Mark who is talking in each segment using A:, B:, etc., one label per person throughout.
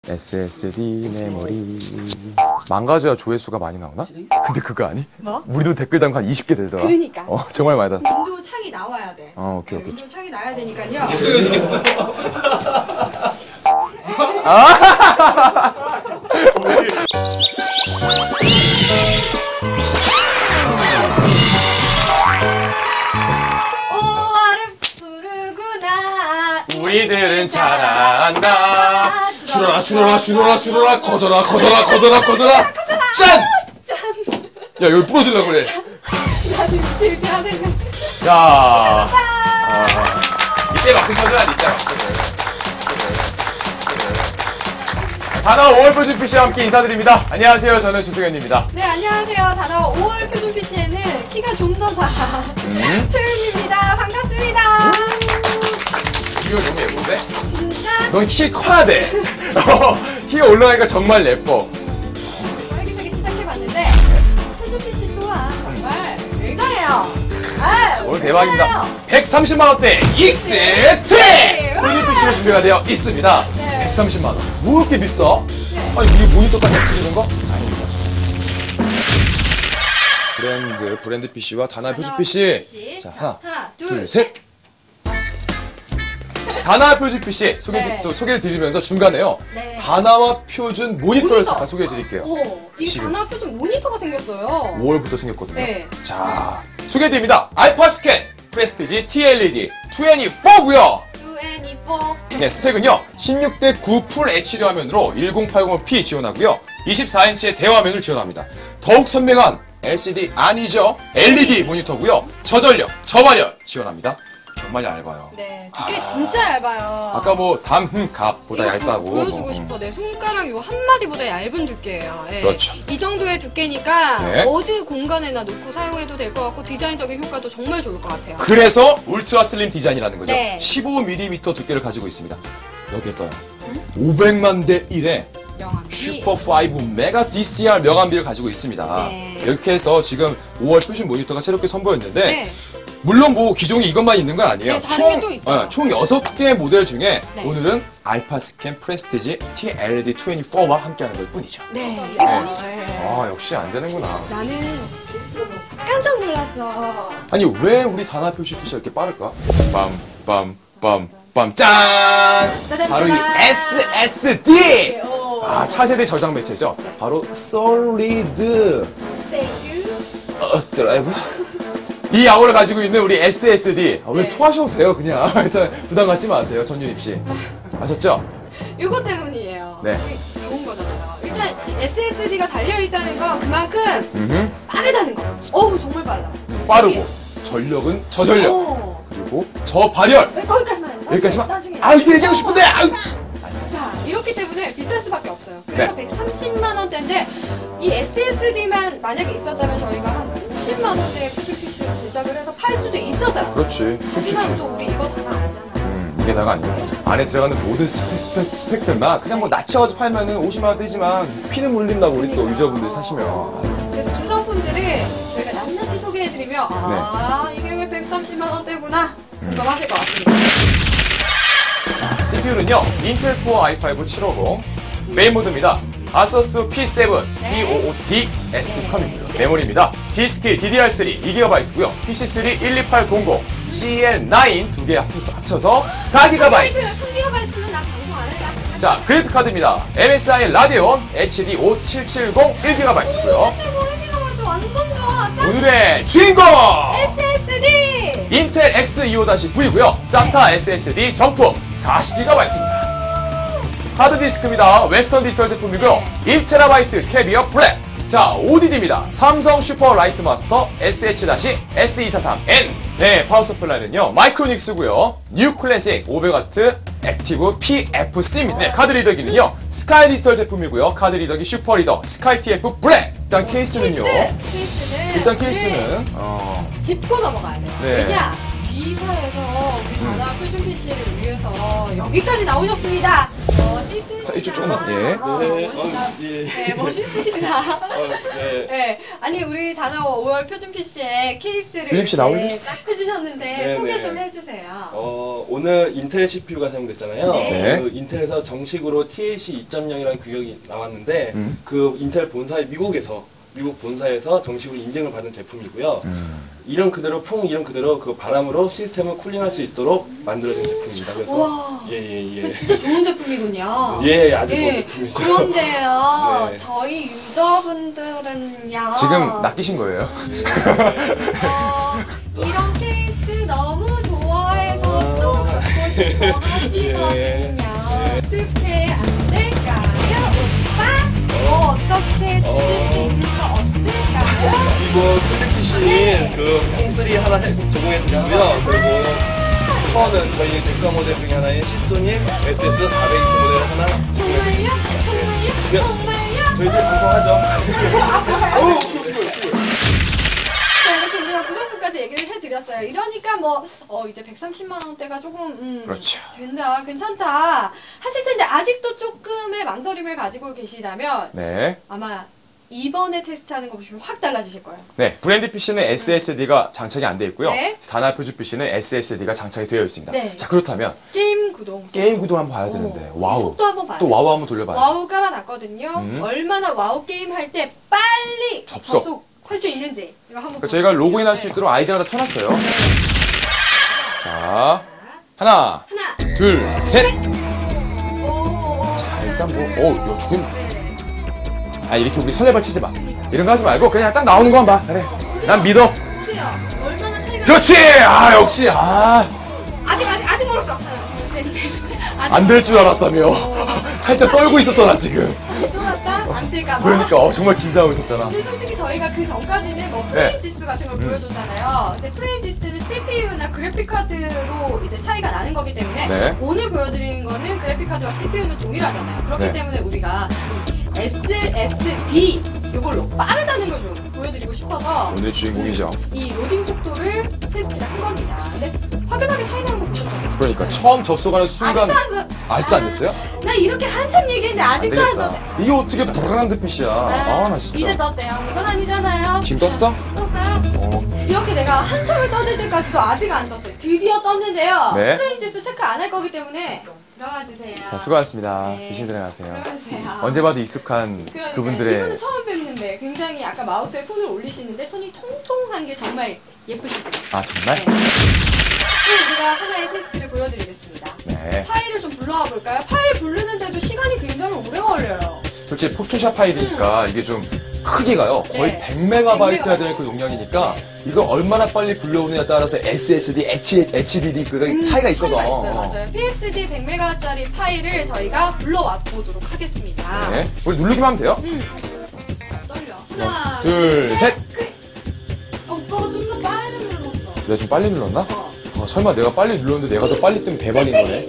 A: SSD 메모리. 망가져야 조회수가 많이 나오나? 근데 그거 아니?
B: 뭐?
A: 우리도 댓글 단 거 한 20개 되더라.
B: 그러니까.
A: 정말 많이 다.
B: 윈도우 창이 나와야 돼.
A: 오케이.
B: 윈도우 창이 나와야 되니까요.
C: 죄송해지겠어.
A: 우리들은 잘한다. 줄어라 거져라. 짠! 야 여기 부러지려고 그래.
B: 나 지금 밑에 하는 거.
A: 야. 이때 막힌 거야 이때 막힌. 단어 5월 표준 PC와 함께 인사드립니다. 안녕하세요. 저는 조승현입니다.
B: 네, 안녕하세요. 단어 5월 표준 PC에는 키가 좀 더 작아. 최윤입니다. 반갑습니다.
A: 이거 너무 예쁜데?
B: 진짜?
A: 넌 키 커야 돼. 키가 올라가니까 정말 예뻐.
B: 활기차게 시작해봤는데 표준 PC 또한 정말 굉장해요.
A: 오늘 대박입니다. 130만 원대 익스트림! 표준 PC로 준비가 되어 있습니다.
B: 네.
A: 130만 원. 뭐 이렇게 비싸?
B: 네.
A: 아니 이게 모니터까지 합쳐지는 거? 아닙니다. 브랜드 PC와 단아 표준 PC. 자, 하나, 둘, 셋. 단아 표준 PC 소개를 드리면서 중간에요.
B: 네.
A: 단아와 표준 모니터를
B: 모니터.
A: 잠깐 소개해 드릴게요.
B: 이
A: 지금.
B: 단아 표준 모니터가 생겼어요.
A: 5월부터 생겼거든요.
B: 네.
A: 자, 소개해드립니다. 알파스캔 프레스티지 TLED 24고요.
B: 24.
A: 네, 스펙은요 16:9 풀 HD 화면으로 1080p 지원하고요 24인치의 대화면을 지원합니다. 더욱 선명한 LCD 아니죠, LED 모니터고요. 저전력, 저발열 지원합니다. 정말 얇아요.
B: 네, 두께 진짜 얇아요.
A: 아까 뭐 담갑보다
B: 이거
A: 얇다고
B: 보여주고
A: 뭐,
B: 싶어. 내 손가락 요 한마디보다 얇은 두께예요. 예.
A: 그렇죠.
B: 이 정도의 두께니까
A: 네.
B: 어디 공간에나 놓고 사용해도 될 것 같고 디자인적인 효과도 정말 좋을 것 같아요.
A: 그래서 울트라 슬림 디자인이라는 거죠.
B: 네.
A: 15mm 두께를 가지고 있습니다. 여기에 떠요. 500만 대 1에
B: 명암비.
A: 슈퍼5 메가 DCR 명암비를 가지고 있습니다.
B: 네.
A: 이렇게 해서 지금 5월 표준 모니터가 새롭게 선보였는데
B: 네.
A: 물론 뭐 기종이 이것만 있는 건 아니에요.
B: 네, 다른 게또 있어요.
A: 총 6개 모델 중에
B: 네.
A: 오늘은 알파스캔 프레스티지 TLED 24와 함께하는 것 뿐이죠.
B: 네, 이게 뭐니?
A: 역시 안 되는구나.
B: 나는 깜짝 놀랐어.
A: 아니 왜 우리 단아 표시 PC가 이렇게 빠를까? 빰 짠!
B: 짜잔,
A: 바로 이
B: 짜잔.
A: SSD!
B: 오.
A: 차세대 저장 매체죠. 바로 솔리드
B: 스테이크.
A: 드라이브? 이 야구를 가지고 있는 우리 SSD. 오늘
B: 네.
A: 토하셔도 돼요, 그냥. 저 부담 갖지 마세요, 전유림 씨. 아셨죠?
B: 이거 때문이에요.
A: 네.
B: 이게 좋은 거잖아요. 일단 SSD가 달려있다는 건 그만큼 빠르다는 거. 어우, 정말 빨라.
A: 빠르고, 전력은 저전력,
B: 오.
A: 그리고 저발열.
B: 거기까지만 해.
A: 여기까지만?
B: 나중에.
A: 이거 얘기하고 싶은데!
B: 자, 이렇기 때문에 비쌀 수밖에 없어요. 그래서
A: 네.
B: 130만 원대인데 이 SSD만 만약에 있었다면 저희가 한 50만 원대의 PPC를 제작을 해서 팔 수도 있었어요.
A: 그렇지, 솔직히.
B: 하지만 또 우리 이거 다가 아니잖아요.
A: 이게다가 아니고 안에 들어가는 모든 스펙들만 그냥 뭐 낮춰가지고 팔면은 50만 원 되지만 피는 물린다고 우리 또
B: 그러니까.
A: 유저분들 사시면.
B: 그래서 구성품들을 저희가 낱낱이 소개해드리면 이게 왜 130만 원대구나 공감하실 것 같습니다.
A: CPU는요 인텔 코어 i5 750 메인 모드입니다. 아서스 P7
B: 네.
A: B55D ST컴이고요. 메모리입니다. G스킬 DDR3 2GB고요. PC3 12800 CL9 두 개 합쳐서 4GB.
B: 3GB면 나 방송 안 해.
A: 자, 그래픽 카드입니다. MSI 라데온 HD 5770 1GB고요.
B: 1GB 완전 좋아. 딱
A: 오늘의 주인공!
B: SSD!
A: 인텔 X25-9이고요. SATA SSD 정품 40GB입니다. 하드디스크입니다. 웨스턴 디지털 제품이고요. 1TB 캐비어 블랙. 자, ODD입니다. 삼성 슈퍼 라이트 마스터 SH-S243N. 네, 파워 서플라이는요. 마이크로닉스고요. 뉴 클래식 500W 액티브 PFC입니다. 네, 카드 리더기는요. 스카이 디지털 제품이고요. 카드 리더기 슈퍼 리더 스카이 TF 블랙. 일단 케이스는요.
B: 케이스는
A: 일단 케이스는
B: 짚고 넘어가야 돼요.
A: 네.
B: 왜냐? G사에서 우리 단아 표준 PC를 위해서 여기까지 나오셨습니다.
A: 자, 이쪽 조금만. 예.
B: 네, 멋있으시다.
C: 네.
B: 네, 아니 우리 다나 5월 표준 PC의 케이스를
A: 유림 씨 나올래?
B: 이렇게 딱 해주셨는데
C: 네,
B: 소개
C: 네.
B: 좀 해주세요.
C: 오늘 인텔 CPU가 사용됐잖아요.
B: 네.
C: 그 인텔에서 정식으로 TLC 2.0이라는 규격이 나왔는데
A: 음.
C: 그 인텔 본사의 미국 본사에서 정식으로 인증을 받은 제품이고요. 이름 그대로 이름 그대로 그 바람으로 시스템을 쿨링할 수 있도록 만들어진 제품입니다. 그래서
B: 우와.
C: 예예예.
B: 진짜 좋은 제품이군요.
C: 예, 아주 좋은
B: 예,
C: 제품이죠.
B: 그런데요,
C: 네.
B: 저희 유저분들은요.
A: 지금 낚이신 거예요?
B: 이런 케이스 너무 좋아해서 또 갖고 싶어 하시거든요. 어떻게 안 될까요, 오빠? 어떻게 주실 수 있는 거 없을까요?
C: 이거 표준 PC는
B: 네.
C: 그 콩3 하나 제공해 드리고요. 그리고 커는 저희 대가 모델 중에 하나인 시소닉 SS420 모델 하나
B: 정말요? 정말요?
C: 네.
B: 정말요?
C: 저희들 방송하죠.
B: 자, 이렇게 우리가 구성품까지 얘기를 해드렸어요. 이러니까 뭐, 이제 130만 원대가 조금,
A: 그렇죠.
B: 된다, 괜찮다 하실 텐데, 아직도 조금의 망설임을 가지고 계시다면,
A: 네.
B: 아마 이번에 테스트하는 거 보시면 확 달라지실 거예요.
A: 네, 브랜드 PC는 SSD가 장착이 안 되어 있고요.
B: 네.
A: 다나 표준 PC는 SSD가 장착이 되어 있습니다.
B: 네.
A: 자, 그렇다면
B: 게임 구동.
A: 게임 구도 한번 봐야 되는데. 와우.
B: 속도 한번 봐요.
A: 또 와우 한번 돌려봐야죠.
B: 와우 깔아놨거든요. 얼마나 와우 게임 할 때 빨리
A: 접속.
B: 할 수 있는지 이거 한번
A: 그러니까 저희가 로그인할 수 있도록 아이디어를 다 쳐놨어요. 자, 하나,
B: 하나,
A: 둘, 셋.
B: 오,
A: 자, 일단 뭐, 야, 저긴,
B: 네.
A: 아, 이렇게 우리 설레발 치지 마. 이런 거 하지 말고 그냥 딱 나오는 거만 봐. 그래. 난 믿어.
B: 보세요. 얼마나 차이가
A: 그렇지! 아, 역시,
B: 아직 멀었어. 하나, 둘, 셋, 넷.
A: 안 될 줄 알았다며. 살짝 떨고 있었어, 나 지금.
B: 다시 쫄았다? 안 될까봐.
A: 그러니까, 정말 긴장하고 있었잖아.
B: 근데 솔직히 저희가 그 전까지는 뭐 프레임
A: 네.
B: 지수 같은 걸 보여줬잖아요. 근데 프레임 지수는 CPU나 그래픽 카드로 이제 차이가 나는 거기 때문에
A: 네.
B: 오늘 보여드리는 거는 그래픽 카드와 CPU는 동일하잖아요. 그렇기
A: 네.
B: 때문에 우리가 이 SSD 이걸로 빠르다는 걸 좀 보여드리고 싶어서
A: 오늘의 주인공이죠.
B: 이 로딩 속도를 테스트를 한 겁니다. 근데 확연하게 차이 나는 거 보셨잖아요.
A: 그러니까, 처음 접속하는 순간. 아직도 안 됐어요?
B: 나 이렇게 한참 얘기했는데 아직도 안
A: 되겠다.
B: 떴대.
A: 이게 어떻게 브랜드 PC야. 아, 나
B: 이제
A: 진짜.
B: 떴대요. 이건 아니잖아요.
A: 지금 떴어?
B: 떴어요? 이렇게 내가 한참을 떠들 때까지도 아직 안 떴어요. 드디어 떴는데요.
A: 네.
B: 프레임 지수 체크 안 할 거기 때문에 들어가 주세요.
A: 자, 수고하셨습니다.
B: 네.
A: 귀신 들어가세요.
B: 들어가세요.
A: 언제 봐도 익숙한
B: 그러니까요.
A: 그분들의.
B: 이분은 처음 뵙는데 굉장히 아까 마우스에 손을 올리시는데 손이 통통한 게 정말 예쁘시더라고요.
A: 아, 정말?
B: 네. 우리가 하나의 테스트를 보여드리겠습니다.
A: 네.
B: 파일을 좀 불러와 볼까요? 파일 부르는데도 시간이 굉장히 오래 걸려요.
A: 솔직히 포토샵 파일이니까 이게 좀 크기가요. 거의
B: 네.
A: 100MB여야 되는 그 용량이니까 이걸 얼마나 빨리 불러오느냐에 따라서 SSD, HDD 그런 차이가 있거든.
B: 차이가 있어요. 맞아요. PSD 100MB짜리 파일을 저희가 불러와 보도록 하겠습니다.
A: 네. 우리 누르기만 하면 돼요.
B: 떨려. 하나,
A: 둘, 셋.
B: 오빠가 좀 더 빨리 눌렀어.
A: 내가 좀 빨리 눌렀나? 설마 내가 빨리 눌렀는데 내가 더 빨리 뜨면 대박인 거네.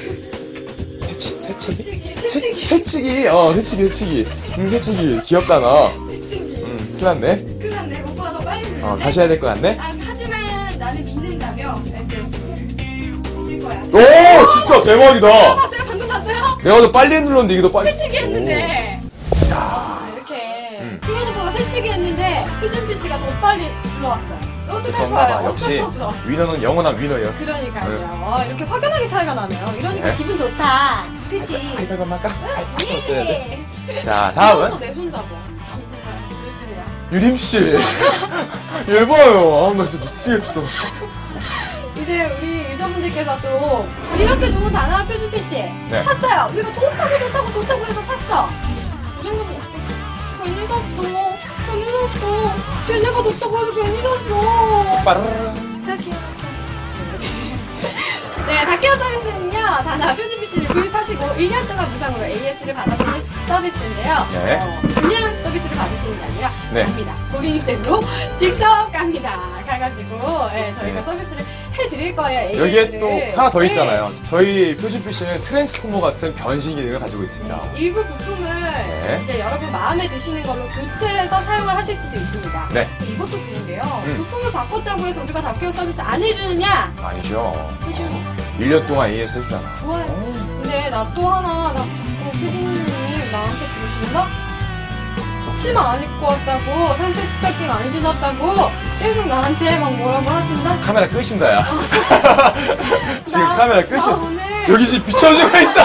A: 새치기? 새치기. 새치기. 새치기. 귀엽다, 너. 큰일 났네.
B: 큰일 났네. 오빠가 더 빨리 눌렀네.
A: 다시 해야 될 것 같네.
B: 하지만 나는 믿는다며. 쓸 거야.
A: 오, 진짜 대박이다.
B: 봤어요? 방금 봤어요?
A: 내가 더 빨리 눌렀는데 이게 더 빨리.
B: 새치기 했는데. 이렇게 승현 오빠가 새치기 했는데 표준 PC가 더 빨리 불러왔어요. 어떡할
A: 썼나봐.
B: 거예요?
A: 역시
B: 어쩔 수 없어.
A: 위너는 영원한 위너예요.
B: 그러니까요. 이렇게 확연하게 차이가 나네요. 이러니까
A: 네.
B: 기분 좋다. 그치?
A: 하이파이브 한번 할까? 살짝 어때야 돼?
B: 예.
A: 자, 다음은
B: 내손 잡아. 정말 지수야.
A: 유림씨. 얘 봐요. 아, 나 진짜 미치겠어.
B: 이제 우리 유저분들께서 또 이렇게 좋은 다나 표준 PC
A: 네.
B: 샀어요. 우리가 좋다고 해서 샀어. 무슨 괜히 샀어. 쟤네가 좋다고 해서 괜히 샀어.
A: 빠르르.
B: 다키오 서비스. 네, 다키오 서비스는요, 다나 표준 PC를 구입하시고 1년 동안 무상으로 AS를 받아보는 서비스인데요.
A: 네.
B: 그냥 서비스를 받으시는 게 아니라
A: 네.
B: 갑니다. 고객님 댁으로 직접 갑니다. 가가지고 저희가 서비스를 해드릴 거예요.
A: 여기에
B: AS를.
A: 또 하나 더
B: 네.
A: 있잖아요. 저희 표준 PC는 트랜스포머 같은 변신 기능을 가지고 있습니다.
B: 일부 부품을 이제 여러분 마음에 드시는 걸로 교체해서 사용을 하실 수도 있습니다.
A: 네.
B: 이것도 좋은데요. 부품을 바꿨다고 해서 우리가 다큐어 서비스 안 해주느냐?
A: 아니죠.
B: 해주는
A: 1년 동안 AS 해주잖아.
B: 좋아요. 근데 나 또 하나, 나 자꾸 피디님이 나한테 그러신다? 치마 안 입고 왔다고, 살색 스타킹 안 신었다고, 계속 나한테 막 뭐라고 하신다?
A: 카메라 끄신다, 야. 지금
B: 나-
A: 카메라
B: 나
A: 끄신.
B: 오늘
A: 여기 지금 비춰주고 있어.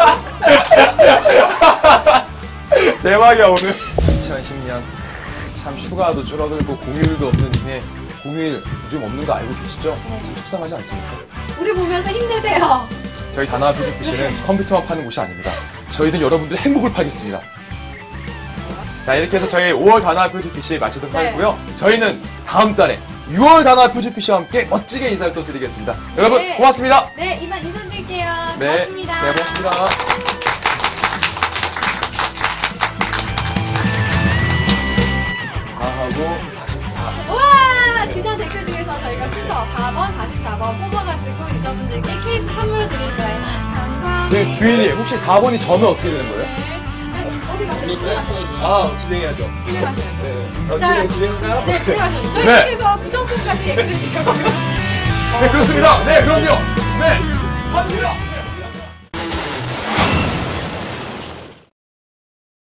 A: 대박이야, 오늘. 2010년. 참 휴가도 줄어들고 공휴일도 없는 이게 공휴일 요즘 없는 거 알고 계시죠? 참 속상하지 않습니까?
B: 우리 보면서 힘내세요.
A: 저희 다나와 퓨즈피쉬는 컴퓨터만 파는 곳이 아닙니다. 저희는 여러분들의 행복을 팔겠습니다. 자, 이렇게 해서 저희 5월 다나와 퓨즈피쉬 마치도록
B: 네.
A: 하고요. 저희는 다음 달에 6월 다나와 퓨즈피쉬와 함께 멋지게 인사를 또 드리겠습니다. 여러분
B: 네.
A: 고맙습니다.
B: 네, 이만 인사드릴게요.
A: 네,
B: 고맙습니다.
A: 네, 고맙습니다. 다 하고
B: 우와! 지난 댓글 중에서 저희가 순서 4번, 44번 뽑아가지고 유저분들께 케이스 선물로 드릴 거예요. 감사합니다.
A: 네, 주인님 혹시 4번이 저는 어떻게 되는 거예요?
B: 네, 어디 가세요?
C: 아, 진행해야죠.
B: 진행하셔야죠.
C: 네.
B: 자,
C: 진행할까요?
B: 네, 진행하셔야죠. 저희
A: 네.
B: 계속해서 구성품까지 얘기를 드려요.
A: 네, 그렇습니다. 네, 그럼요. 네, 받으세요.